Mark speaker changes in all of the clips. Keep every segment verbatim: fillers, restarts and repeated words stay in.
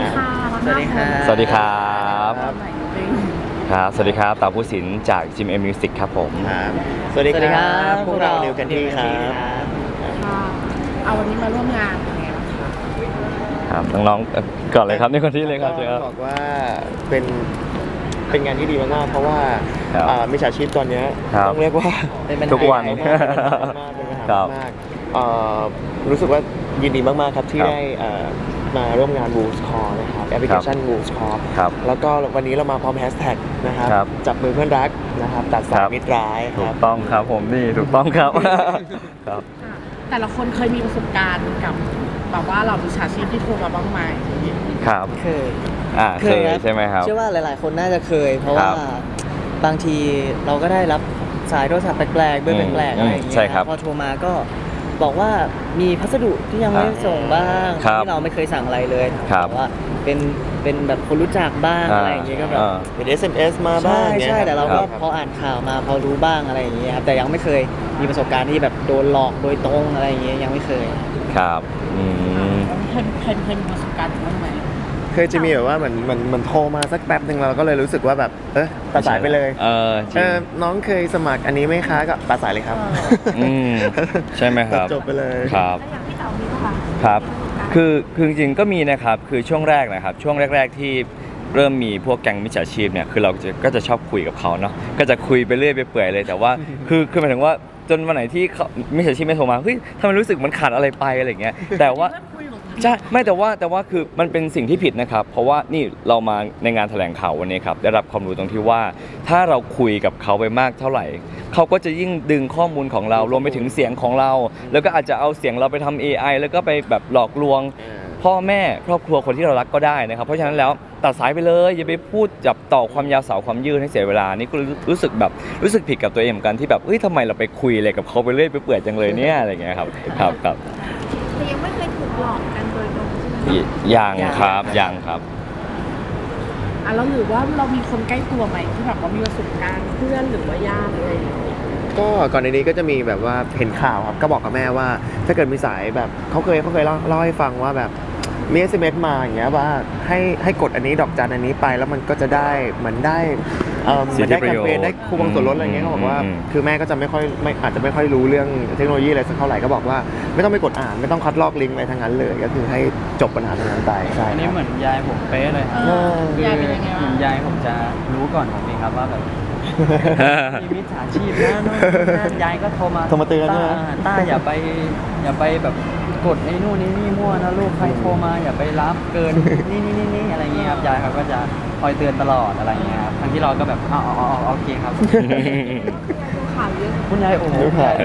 Speaker 1: ค่ะ
Speaker 2: สวัสดีครับ
Speaker 3: สวัสดีครับ
Speaker 1: ครับ
Speaker 3: ครับสวัสดีครับตาผู้สินจากจิมเอ็มมิวสิกครับผม
Speaker 2: ครับสวัสดีครับพวกเรานิวกันที่ครับ
Speaker 1: ค่ะเอาวันนี้มาร่วมงานเป็นไงบ้างคะ
Speaker 3: ครับน้องๆเอ่อก่อนเลยครับนี่คนที่เลยครับ
Speaker 2: ก็
Speaker 3: เชิญครับ
Speaker 2: บอกว่าเป็นเป็นงานที่ดีมากๆเพราะว่า
Speaker 3: ครับ
Speaker 2: อ่ามิจฉาชีพตอนเนี้ย
Speaker 3: ครับ
Speaker 2: ต้องเรียกว่า
Speaker 3: ทุกวัน
Speaker 2: เป็นปัญหามากเป็นปัญหา
Speaker 3: ครับ
Speaker 2: มากเอ่อรู้สึกว่ายินดีมากๆครับที่
Speaker 3: ครับ
Speaker 2: ได้เอ่อมาร่วมงาน Wolves Call นะครับแอปพลิเคชัน Wolves Call
Speaker 3: ครับ
Speaker 2: แล้วก็วันนี้เรามาพร้อมแฮชแท็กนะครับ
Speaker 3: ครับ
Speaker 2: จับมือเพื่อนรักนะครับตัดสา
Speaker 3: ค
Speaker 2: ย
Speaker 3: รับ
Speaker 2: มิตรร้ายค
Speaker 3: ถู
Speaker 2: รั
Speaker 3: ก
Speaker 2: บ
Speaker 3: ต้องครับผมนี่ถูกต้องครับ ครับ
Speaker 1: ค่ะแต่ละคนเคยมีประสบการณ์กับแบบว่าเราวิชาชีพที่โทรมาบ้างไหม
Speaker 3: ครับ
Speaker 4: เคย
Speaker 3: อ่าเคย
Speaker 4: ครับ
Speaker 3: ใช่ไหมครับ
Speaker 4: เชื่อว่าหลาย ๆ คนน่าจะเคย เพราะ
Speaker 3: ครั
Speaker 4: ว่า
Speaker 3: บ
Speaker 4: บางทีเราก็ได้รับสายโทรศัพท์แปลกๆเบอร์
Speaker 3: อืม
Speaker 4: แปลกๆอะไรอย่างเงี้ย
Speaker 3: ใช่ครับ
Speaker 4: พอโทรมาก็บอกว่ามีพัสดุที่ยังไม่ได้ส่งบ้าง
Speaker 3: ครับ
Speaker 4: ที่เราไม่เคยสั่งอะไรเลย
Speaker 3: ครับ
Speaker 4: แต่ว่าเป็นเป็นแบบคนรู้จักบ้าง
Speaker 3: อ่า
Speaker 4: อะไรอย่างเงี้ยก็แบบ
Speaker 3: อ่า
Speaker 2: เป็น เอส เอ็ม เอส มาบ้า
Speaker 4: ใช่
Speaker 2: งนี่ย
Speaker 4: ใช่แต่เราก็
Speaker 3: ครับ
Speaker 4: พออ่านข่าวมาพอรู้บ้างอะไรอย่างเงี้ยครับแต่ยังไม่เคยมีประสบการณ์ที่แบบโดนหลอกโดยตรงอะไรอย่างเงี้ยยังไม่เคย
Speaker 3: ครับอืม
Speaker 1: เคยเคยเคยมีประสบการณ์บ้างไหม
Speaker 2: เคยจะมีแบบว่าเหมือนเหมือนเหมือนโทรมาสักแป๊บหนึ่งเราก็เลยรู้สึกว่าแบบเออตัดสายไปเลย
Speaker 3: เออจริ
Speaker 2: เอง อน้องเคยสมัครอันนี้ไหมคะก็ตัดสายเลยครับ
Speaker 3: อืมใช่ไหมครับ
Speaker 2: จบไปเลย
Speaker 3: ครับ
Speaker 1: อย่างพี่เต๋ามีป่ะคะ
Speaker 3: ครับคือคือจริงๆก็มีนะครับคือช่วงแรกนะครับช่วงแรก ๆที่เริ่มมีพวกแก๊งมิจฉาชีพเนี่ยคือเราจะก็จะชอบคุยกับเขาเนาะก็จะคุยไปเรื่อยไปเปื่อยเลยแต่ว่า คือคือหมายถึงว่าจนวันไหนที่เขามิจฉาชีพไม่โทรมาเฮ้ยทำไมรู้สึกมันขาดอะไรไปอะไรอย่างเงี้ยแต่ว่า ใช่ไม่แต่ว่าแต่ว่าคือมันเป็นสิ่งที่ผิดนะครับ เพราะว่านี่เรามาในงานแถลงข่าววันนี้ครับได้รับความรู้ตรงที่ว่า ถ้าเราคุยกับเขาไปมากเท่าไหร่เขาก็จะยิ่งดึงข้อมูลของเรารวมไปถึงเสียงของเรา แล้วก็อาจจะเอาเสียงเราไปทำ เอ ไอ แล้วก็ไปแบบหลอกลวง พ่อแม่ครอบครัวคนที่เรารักก็ได้นะครับ เพราะฉะนั้นแล้วตัดสายไปเลยอย่าไปพูดจับต่อความยาวสาวความยืดให้เสียเวลานี่ก็รู้สึกแบบรู้สึกผิดกับตัวเองเหมือนกันที่แบบเฮ้ยทำไมเราไปคุยอะไรกับเขาไปเรื่อยไปเปื่อยจังเลยเนี่ยอะไรอย่างเงี้ยครับครับครับ
Speaker 1: แต่ยังไม่เคยถูกหลอกกันโดยตรงใช่ไหม
Speaker 3: ยยังครับยังครับ
Speaker 1: อ่ะแล้วหรือว่าเรามีคนใกล้ตัวไหมที่แบบว่ามีประสบการณ์เพื่อนหรือว่าญาติอะไรอย่างเงี้ย
Speaker 2: ก็ก่อนในนี้ก็จะมีแบบว่าเห็นข่าวครับก็บอกกับแม่ว่า ถ้าเกิดมีสายแบบเขาเคยเขาเคยเล่าเล่าให้ฟังว่าแบบมี เอส เอ็ม เอส มาอย่างเงี้ยว่าให้ให้กดอันนี้ดอกจันอันนี้ไปแล้วมันก็จะได้เหมือนได้เอ่อเหมือนได้แคมเปญได้คูปองส่วนลดอะไรเงี้ยเขาบอกว่า
Speaker 3: อืม
Speaker 2: คือแม่ก็จะไม่ค่อยไม่อาจจะไม่ค่อยรู้เรื่องเทคโนโลยีอะไรสักเท่าไหร่ก็บอกว่าไม่ต้องไปกดอ่านไม่ต้องคัดลอกลิงก์อะไรทั้งนั้นเลยก็คือให้จบปัญหาตรงนั้นไปใช่
Speaker 5: อันนี้
Speaker 2: ครับ
Speaker 5: เหมือนยายผมเป๊ะเลยครับ
Speaker 1: เออ
Speaker 5: คือย
Speaker 1: ายเป็นยังไง
Speaker 5: เหมื
Speaker 1: วะ
Speaker 5: อนยายผมจะรู้ก่อนผมเองครับว่าแบบมีมิจฉาชีพนะนู่นนี่นั่นยายก็โทรมา
Speaker 2: โทรมาเตือนใช่ไหม
Speaker 5: ต้าต้าอย่าไปอย่าไปแบบกดไอ้นู่นนี่นี่มั่วนะลูกใครโทรมาอย่าไปรับเกินนี่นี่นี่นี่อะไรเงี้ยครับยายเขาก็จะคอยเตือนตลอดอะไรเงี้ยครับทั้งที่เราก็แบบอ๋ออ๋ออ๋อโอเคครับ
Speaker 1: ดูข่าวเยอะ
Speaker 5: คุณยายโอ้โห
Speaker 2: รู้ข่าว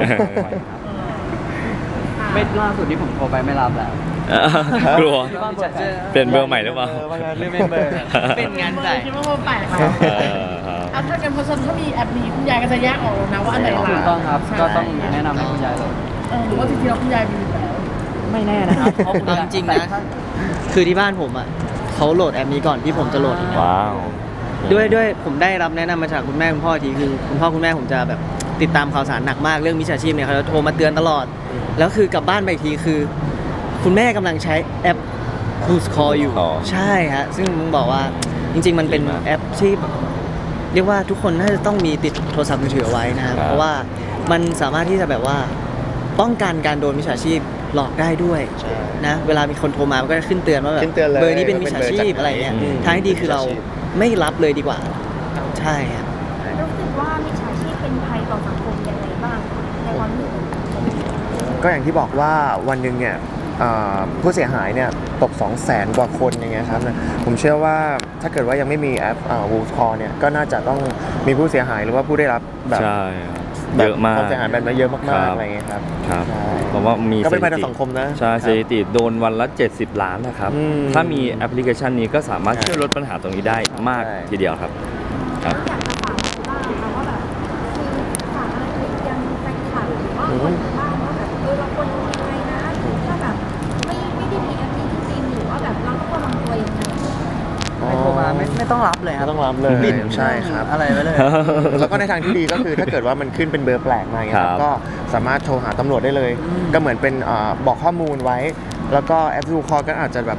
Speaker 5: ไม่ล่าสุดที่ผมโทรไปไม่รับแล้ว
Speaker 3: กลัว
Speaker 5: ที่บ้านผมจะ
Speaker 3: เปลี่ยนเบอร์ใหม่หรือเปล่า
Speaker 5: หรือเมมเบอร์เป็นงานใหญ่
Speaker 1: คิดว่ามันแปลกค่ะ
Speaker 3: เออครับ
Speaker 1: เอาถ้ากันเพราะฉะนั้นถ้ามีแอปนี้คุณยายก็จะแยกออกแล้วนะว่าอันไหน
Speaker 5: ถู
Speaker 1: ร้าก น
Speaker 5: ต้องครับ
Speaker 1: ใช่
Speaker 5: ก็ต้องแนะนำให้คุณยายเลย
Speaker 1: เออหรือว่าจริงๆแล้วคุณยายมีอยู่แล้ว
Speaker 5: ไม่แน่นะครับเพราะคุณ
Speaker 4: เอา
Speaker 5: ยาย
Speaker 4: จริงๆนะ คือที่บ้านผมอ่ะเขาโหลดแอปนี้ก่อนที่ผมจะโหลด
Speaker 3: ว้าว
Speaker 4: ด้วยด้วยผมได้รับแนะนำมาจากคุณแม่คุณพ่ออีกทีคือคุณพ่อคุณแม่ผมจะแบบติดตามข่าวสารหนักมากเรื่องมิจฉาชีพเนี่ยเขาจะโทรมาเตือนตลอด แล้วคือกลับบ้านไปอีกทีคือ คุณแม่กำลังใช้แอป Who's Call อยู่
Speaker 3: อ๋อ
Speaker 4: ใช่ฮะซึ่งมึงบอกว่าจริง ๆ มันเป็น
Speaker 3: ดีมาก
Speaker 4: แอปที่แบบเรียกว่าทุกคนน่าจะต้องมีติดโทรศัพท์มือถือเอาไว้นะครับ
Speaker 3: ครับ
Speaker 4: เพราะว่ามันสามารถที่จะแบบว่าป้องกันการโดนมิจฉาชีพหลอกได้ด้วย
Speaker 2: ใช่
Speaker 4: นะเวลามีคนโทรมามันก็จะขึ้นเตือนว่าแบบ
Speaker 2: ขึ้นเตือนเลย
Speaker 4: เบอร์นี้เป็นมิจฉาชีพ
Speaker 2: ว่าเป็นเบอร์จากไหน
Speaker 4: อะไรเงี้ย
Speaker 3: อืม
Speaker 4: ทางที่ดีคือเราไม่รับเลยดีกว่า ใช่ครับ
Speaker 6: รู้สึกว่ามิจฉาชีพเป็นภัยต่อสังคมยังไงบ้างคะในความรู้สึก
Speaker 2: ก็อย่างที่บอกว่าวันหนึ่งเนี่ยเอ่อผู้เสียหายเนี่ยตก สองแสน กว่าคนอย่างเงี้ยครับนะผมเชื่อว่าถ้าเกิดว่ายังไม่มีแอป Wolves Call เนี่ยก็น่าจะต้องมีผู้เสียหายหรือว่าผู้ได้รับแบบ
Speaker 3: ใช่ครับ
Speaker 2: แบบ
Speaker 3: เยอะมาก
Speaker 2: ความเสียหายแบบนี้เยอะ
Speaker 3: ครั
Speaker 2: มากๆ
Speaker 3: บ
Speaker 2: อะไรเงี้ยครับ
Speaker 3: ครับ
Speaker 2: ใช่
Speaker 3: เพราะว่ามี
Speaker 2: ก็เป็นภัยต่อ
Speaker 3: สถิติ
Speaker 2: สังคมนะ
Speaker 3: ใช่สถิติโดนวันละเจ็ดสิบล้านนะครับ
Speaker 2: อืม
Speaker 3: ถ้ามีแอปพลิเคชันนี้ก็สามารถ
Speaker 2: ใช่
Speaker 3: ช่วยลดปัญหาตรงนี้ได้มาก
Speaker 2: ใช่
Speaker 3: ทีเดียวครับครับ
Speaker 6: อยากจะฝากบ้างนะคะว่าแบบคือฝากอะไรถึงยังแฟนคลับหรือว่าคนทางบ้านว่าแบบเออเราควรทำยังไงนะถ้าแบบไม่ไม่ได้มีแอปนี้จริงๆหรือว่าแบบเราต้องระวังตัวยังไง
Speaker 5: ใครโทรมาไม่ไม่ต้องรับเลยค
Speaker 2: ไม่
Speaker 5: รับ
Speaker 2: ต้องรับเลย
Speaker 5: ปิด
Speaker 2: ใช่ครับ
Speaker 5: อะไรไว้เลย
Speaker 2: แล้วก็ในทางที่ดีก็คือถ้าเกิดว่ามันขึ้นเป็นเบอร์แปลกมาอย่างเงี้ยค
Speaker 3: ครั
Speaker 2: รับบ ก็สามารถโทรหาตำรวจได้เลย ก็เหมือนเป็นเอ่อบอกข้อมูลไว้ แล้วก็แอป Wolves Call ก็อาจจะแบบ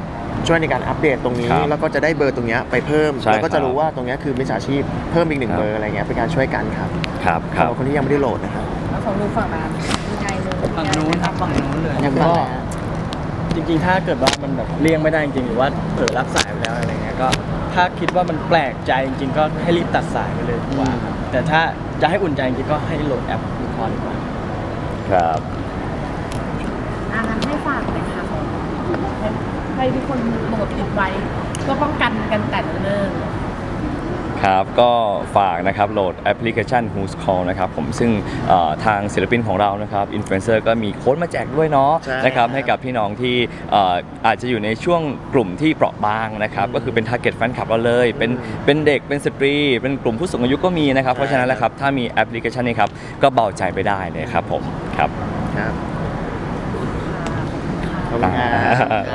Speaker 2: ช่วยในการอัปเดตตรงนี้
Speaker 3: ครับ
Speaker 2: แล้วก็จะได้เบอร์ตรงเนี้ยไปเพิ่ม
Speaker 3: ใช่
Speaker 2: แล้วก็
Speaker 3: ครั
Speaker 2: จะ
Speaker 3: บ
Speaker 2: รู้ว่าตรงเนี้ยคือมิจฉาชีพเพิ่มอีกหนึ่ง
Speaker 3: ครับ
Speaker 2: เบอร์อะไรเงี้ยเป็นการช่วยกันครับ
Speaker 3: ครับค
Speaker 2: สำ
Speaker 3: รั
Speaker 2: ห
Speaker 3: บ
Speaker 2: รับคนที่ยังไม่ได้โหลดนะครับ
Speaker 1: แล้วของลูกฝั่งนั้นยังไงเลย
Speaker 5: ฝั่งนู้นครับฝั่งนู้นเลย
Speaker 4: อย่าง
Speaker 7: ก็
Speaker 4: บ้านนะ
Speaker 7: จริงๆ ถ้าเกิดว่ามันแบบเลี่ยงไม่ได้จริงๆหรือว่าเผลอรับสายไปแล้วอะไรเงี้ยก็ถ้าคิดว่ามันแปลกใจจริงๆ ก็ให้รีบตัดสายไปเลยดีกว่าครับแต่ถ้าจะให้อุ่นใจจริงๆก็ให้โหลดแอปดูพอดีกว่า
Speaker 3: ครับ
Speaker 1: อันนั้นให้ฝากเลยค่ะให้ให้ทุกคนโหลดติดไว้เพื่อป้องกันกันแต่เนิ่น
Speaker 3: ครับก็ฝากนะครับโหลดแอปพลิเคชัน Who's Call นะครับผมซึ่งเอ่อทางศิลปินของเรานะครับอินฟลูเอนเซอร์ก็มีโค้ดมาแจกด้วยเนาะ
Speaker 2: ใช่
Speaker 3: นะครับให้กับพี่น้องที่เอ่ออาจจะอยู่ในช่วงกลุ่มที่เปราะบางนะครับก็คือเป็น target fan club เราเลยเป็นเป็นเด็กเป็นสตรี เป็นกลุ่มผู้สูงอายุก็มีนะครับเพราะฉะนั้นแล้วครับถ้ามีแอปพลิเคชันนี้ครับก็เบาใจไปได้เลยครับผมครับ
Speaker 2: ครับ
Speaker 1: ๆ
Speaker 2: ขอบคุณครับ